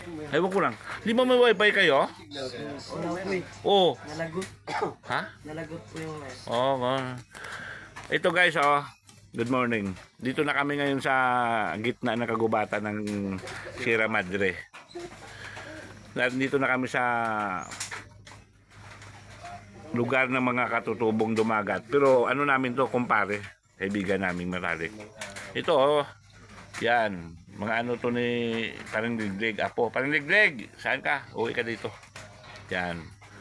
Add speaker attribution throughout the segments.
Speaker 1: Ewan ko lang. Di ba may wifi kayo?
Speaker 2: Wala po eh.
Speaker 1: Oo.
Speaker 2: Nalagot.
Speaker 1: Ha?
Speaker 2: Nalagot po yung
Speaker 1: Oo. Ito guys, oh. Good morning. Dito na kami ngayon sa gitna ng kagubatan ng Sierra Madre. Dito na kami sa lugar ng mga katutubong dumagat. Pero ano namin to, kumpare, kaibigan naming Maralik. Ito, oh. Yan. Mga ano to ni Parang Liglig. Apo, Parang Liglig. Saan ka? Uwi ka dito. Yan.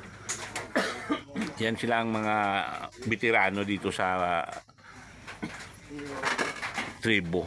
Speaker 1: Yan sila ang mga veterano dito sa tribo.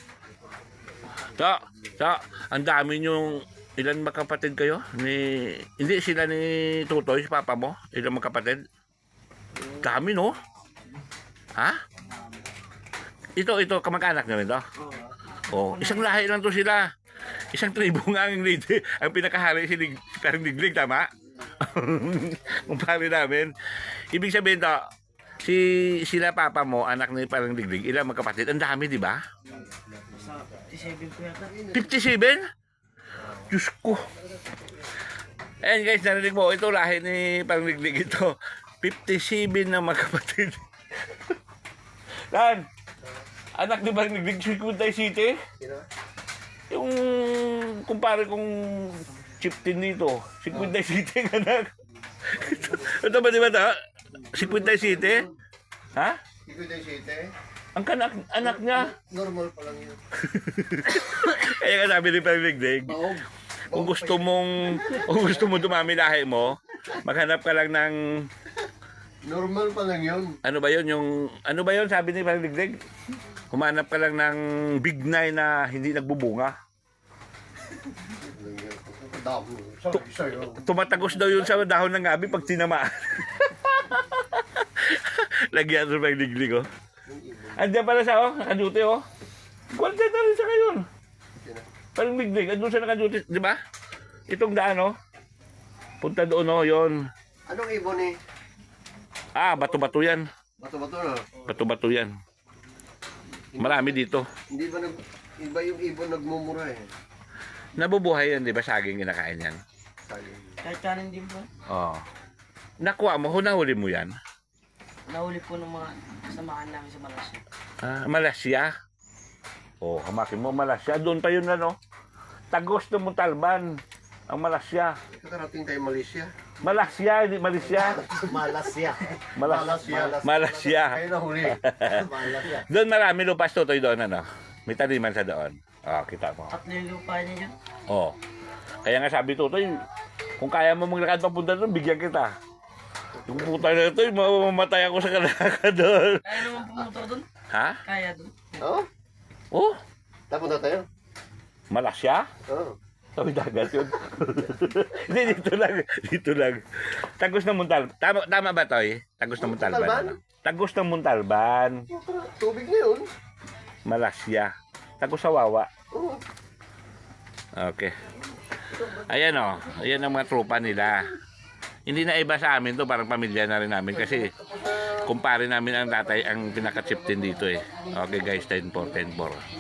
Speaker 1: Ang dami nyong, ilan magkapatid kayo? Hindi sila ni Tutoy, si papa mo? Ilan magkapatid? Dami, no? Ha? Ito, kamag-anak nyo rin to? Oh, isang lahi lang to sila. Isang tribo nga ang leader. Ang pinakahari si Parang Liglig, tama? Kumpare namin. Ibig sabihin to, sila papa mo, anak ni Parang Liglig, ilang magkapatid? Ang dami, di ba?
Speaker 2: 57 po yata.
Speaker 1: 57? Diyos ko. Ayan guys, narinig mo, ito lahi ni Parang Liglig ito. 57 na magkapatid. Lan, anak ni Parang Liglig, Sikuntay City? Yung kumpare kong chieftain dito, Sikuntay City ang anak. Ito ba di ba ito? Sikuntay City? Ha?
Speaker 3: Sikuntay City?
Speaker 1: Ang anak niya.
Speaker 3: Normal pa lang yun.
Speaker 1: Kaya nga sabi ni Parang Liglig, kung gusto mo dumami lahi mo, maghanap ka lang ng
Speaker 3: Normal pa lang yun.
Speaker 1: ano ba yun sabi ni Parang Liglig? Humanap ka lang ng bignay na hindi nagbubunga. Tumatagos daw yun sa dahon ng gabi pag tinamaan. Lagyan sa Parang Liglig, oh. Andiyan pala siya, oh. Nakaduty, oh. Kwartet na rin siya ngayon. Parang Liglig, andun siya nakaduty, di ba? Itong daan, oh. Punta doon, oh, yun.
Speaker 3: Anong ibon eh?
Speaker 1: Bato-bato yan.
Speaker 3: Bato-bato na.
Speaker 1: Bato-bato yan. Marami dito.
Speaker 3: Hindi ba iba yung ibon nagmumura eh?
Speaker 1: Nabubuhay yan, di ba? Saging kinakain yan.
Speaker 2: Kahit kanin din po.
Speaker 1: Oo. Nakuha mo, hunahuli mo yan.
Speaker 2: Nahuli po ng mga kasamahan namin sa Malaysia.
Speaker 1: Malaysia. Hamakin mo, Malaysia. Doon pa yun, ano? Tagos na Montalban. Ang Malaysia.
Speaker 3: Kakarating tayo Malaysia.
Speaker 1: Malaysia, hindi Malaysia.
Speaker 3: Malaysia.
Speaker 1: Malaysia.
Speaker 3: Kayo na huli. Malaysia.
Speaker 1: Doon marami lupas, Tutoy, doon, ano? May taniman sa doon. Kita mo.
Speaker 2: Tatlo yung lupa niya dyan.
Speaker 1: Kaya nga sabi, Tutoy, kung kaya mo maglakad papunta doon, bigyan kita. Yung puta na ito, mamamatay ako sa kalaka doon.
Speaker 2: Kaya naman pumunta doon.
Speaker 1: Ha?
Speaker 2: Kaya doon.
Speaker 3: Oo?
Speaker 1: Oh?
Speaker 3: Tapunta tayo?
Speaker 1: Malaysia?
Speaker 3: Oo.
Speaker 1: Tawid dagat yun. Hindi, dito lang. Tagos ng Montalban. Tama ba, Toy? Tagos ng Montalban.
Speaker 3: Montalban?
Speaker 1: Tagos ng Montalban.
Speaker 3: Tubig na yun.
Speaker 1: Malaysia. Tagos sa Wawa.
Speaker 3: Oo.
Speaker 1: Okay. Ayan, oh. Ayan ang mga tropa nila. Hindi na iba sa amin to, parang pamilya na rin namin kasi kumpare namin ang tatay ang pinaka-chieftain dito eh. Okay guys, 10-4.